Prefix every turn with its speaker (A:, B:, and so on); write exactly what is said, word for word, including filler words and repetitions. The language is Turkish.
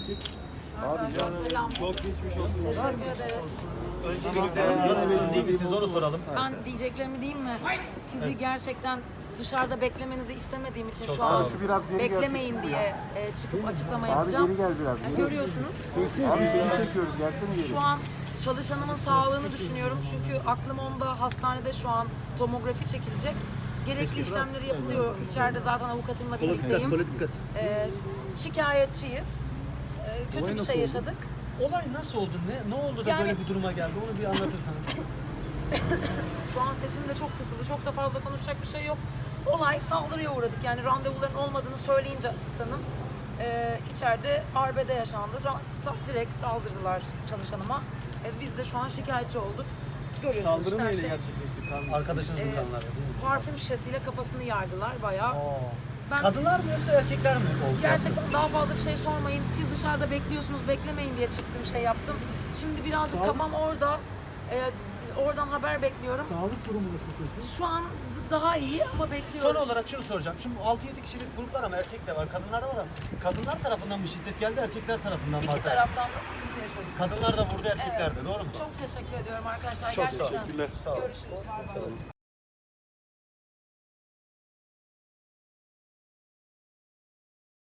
A: Arkadaşlar selam.
B: Çok geçmiş olsun.
A: Teşekkür ederiz.
C: Öncelikle nasılsınız, değil misiniz onu soralım.
A: Ben diyeceklerimi diyeyim mi? Sizi gerçekten dışarıda beklemenizi istemediğim için
C: Çok
A: şu
C: sağ
A: an
C: olun.
A: beklemeyin diye e, çıkıp açıklama yapacağım. Yani görüyorsunuz. E, şu an çalışanımın sağlığını düşünüyorum çünkü aklım onda, hastanede şu an tomografi çekilecek. Gerekli işlemleri yapılıyor. İçeride zaten avukatımla birlikteyim. E, şikayetçiyiz. E, kötü bir şey yaşadık.
C: Olay nasıl oldu? Ne ne oldu da
A: Yani-
C: böyle bir duruma geldi? Onu bir anlatırsanız.
A: Şu an sesim de çok kısıldı. Çok da fazla konuşacak bir şey yok. Olay saldırıya uğradık. Yani randevuların olmadığını söyleyince asistanım e, içeride arbede yaşandı. Ra- sa- direkt saldırdılar çalışanıma. E, biz de şu an şikayetçi olduk. Görüyorsunuz
B: Saldırı
A: işte her
B: neyle
A: şey.
B: gerçekleşti? Kan.
C: Arkadaşınızın
A: Ee,
C: kanları değil mi?
A: Parfüm şişesiyle kafasını yardılar bayağı.
C: Oo.
A: Ben
C: Kadınlar mı yoksa erkekler mi oldu?
A: gerçekten daha fazla bir şey sormayın. Siz dışarıda bekliyorsunuz, beklemeyin diye çıktım, şey yaptım. Şimdi birazcık kafam orada. E, oradan haber bekliyorum.
B: Sağlık durumu nasıl peki?
A: Şu an daha iyi ama bekliyoruz.
C: Son olarak şunu soracağım. Şimdi altı yedi kişilik gruplar ama erkek de var, kadınlar da var ama kadınlar tarafından mı şiddet geldi, erkekler tarafından mı?
A: İki
C: arkadaşlar?
A: taraftan da sıkıntı yaşadık.
C: Kadınlar da vurdu, erkekler de. Doğru mu?
A: Çok teşekkür ediyorum arkadaşlar.
C: Çok sağ olun.
A: Gerçekten.
C: Teşekkürler. Sağ olun.
A: Görüşürüz. Bay bay.